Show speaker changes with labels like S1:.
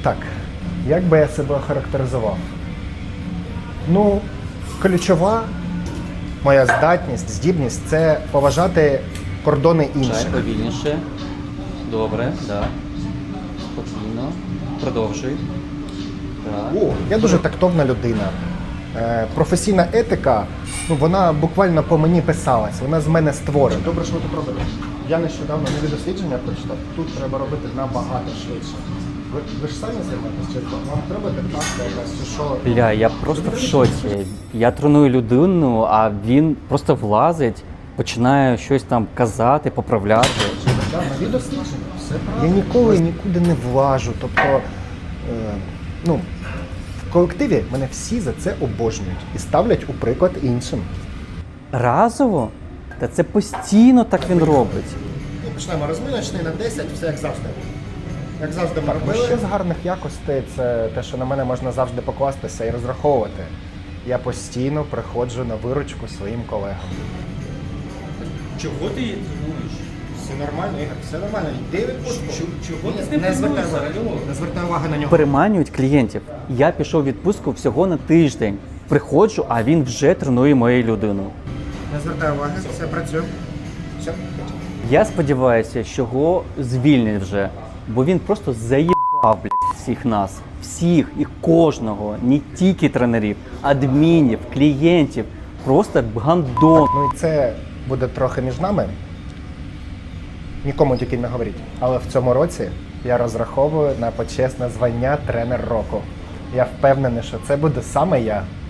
S1: Так, як би я себе охарактеризував? Ну, ключова моя здібність – це поважати кордони
S2: Чай
S1: інших.
S2: повільніше. Добре, да. Спокійно. Продовжуй. Так.
S1: Я дуже тактовна людина. Професійна етика, ну, вона буквально по мені писалась, вона з мене створена. Добре, що ви тут робите. Я нещодавно нові дослідження прочитав, тут треба робити набагато швидше. Ви ж самі займаєтесь чи вам треба диктація якась, чи що?
S2: Бля, я просто в шоці. Я треную людину, а він просто влазить, починає щось там казати, поправляти.
S1: Так, нові дослідження, все правильно. Я ніколи нікуди не влажу, тобто, ну, в колективі мене всі за це обожнюють і ставлять у приклад іншим.
S2: Разово? Та це постійно так він робить.
S1: Ну, почнемо розминочний на 10, все як завжди. Як завжди ми робили. Ще з гарних якостей це те, що на мене можна завжди покластися і розраховувати. Я постійно приходжу на виручку своїм колегам.
S3: Чого ти її тренуєш?
S1: Все нормально, Ігор, все нормально. Йди відпустку.
S3: Чого ти з ним
S1: Не звертай
S3: тренуєшся?
S1: уваги. Не звертай уваги на нього.
S2: Переманюють клієнтів. Я пішов в відпустку всього на тиждень. Приходжу, а він вже тренує мою людину.
S1: Не звертай уваги, все працює. Все.
S2: Я сподіваюся, що його звільнять вже, бо він просто заїбав, блядь, всіх нас. Всіх і кожного, не тільки тренерів, адмінів, клієнтів. Просто гандон.
S1: Ну і це буде трохи між нами. Нікому тільки не говоріть. Але в цьому році я розраховую на почесне звання тренер року. Я впевнений, що це буде саме я.